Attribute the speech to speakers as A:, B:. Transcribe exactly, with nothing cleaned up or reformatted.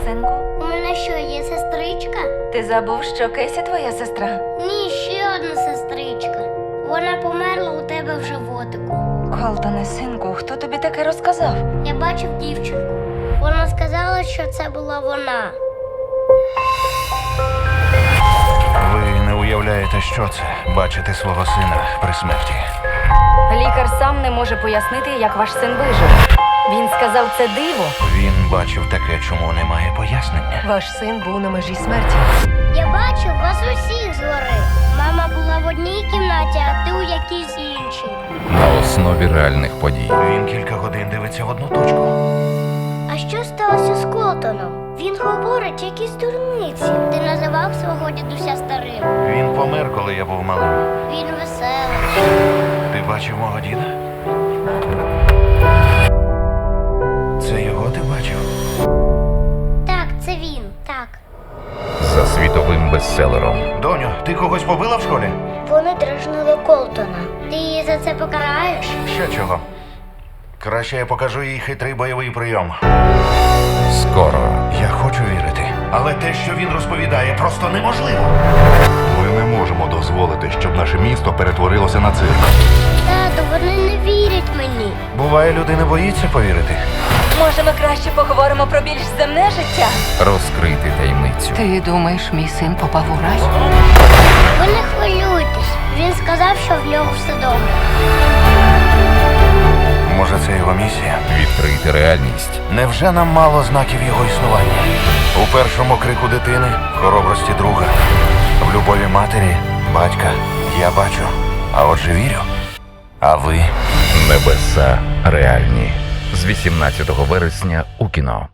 A: синку?
B: У мене що, є сестричка?
A: Ти забув, що Кесі твоя сестра?
B: Ні, ще одна сестричка. Вона померла у тебе в животику.
A: Колтоне, синку, хто тобі таке розказав?
B: Я бачив дівчинку. Вона сказала, що це була вона.
C: Ви не уявляєте, що це – бачити свого сина при смерті.
A: Лікар сам не може пояснити, як ваш син вижив. Він сказав, це диво.
C: Він бачив таке, чому немає пояснення.
D: Ваш син був на межі смерті.
B: Я бачив вас усіх згори. Мама була в одній кімнаті, а ти у якійсь іншій.
E: На основі реальних подій.
C: Він кілька годин дивиться в одну точку.
B: А що сталося з Колтоном? Він говорить якісь дурниці. Ти називав свого дідуся старим.
C: Він помер, коли я був малим.
B: Він веселий.
C: Ти бачив мого діда? Це його ти бачив?
B: Так, це він, так.
E: За світовим бестселером.
C: Доню, ти когось побила в школі?
B: Вони дражнили Колтона. Ти її за це покараєш?
C: Ще чого? Краще я покажу їй хитрий бойовий прийом.
E: Скоро.
C: Я хочу вірити. Але те, що він розповідає, просто неможливо.
F: Ми не можемо дозволити, щоб наше місто перетворилося на цирк.
B: Тату, вони не вірять мені.
C: Буває, людина боїться повірити.
A: Може, ми краще поговоримо про більш земне життя?
E: Розкрити таємницю.
D: Ти думаєш, мій син попав у рай?
B: Ви не хвилюйтесь. Він сказав, що в нього все добре.
C: Може, це його місія?
E: Відкрити реальність.
C: Невже нам мало знаків його існування? У першому крику дитини, в хоробрості друга, в любові матері, батька. Я бачу, а отже вірю. А ви?
E: Небеса реальні. З вісімнадцятого вересня у кіно.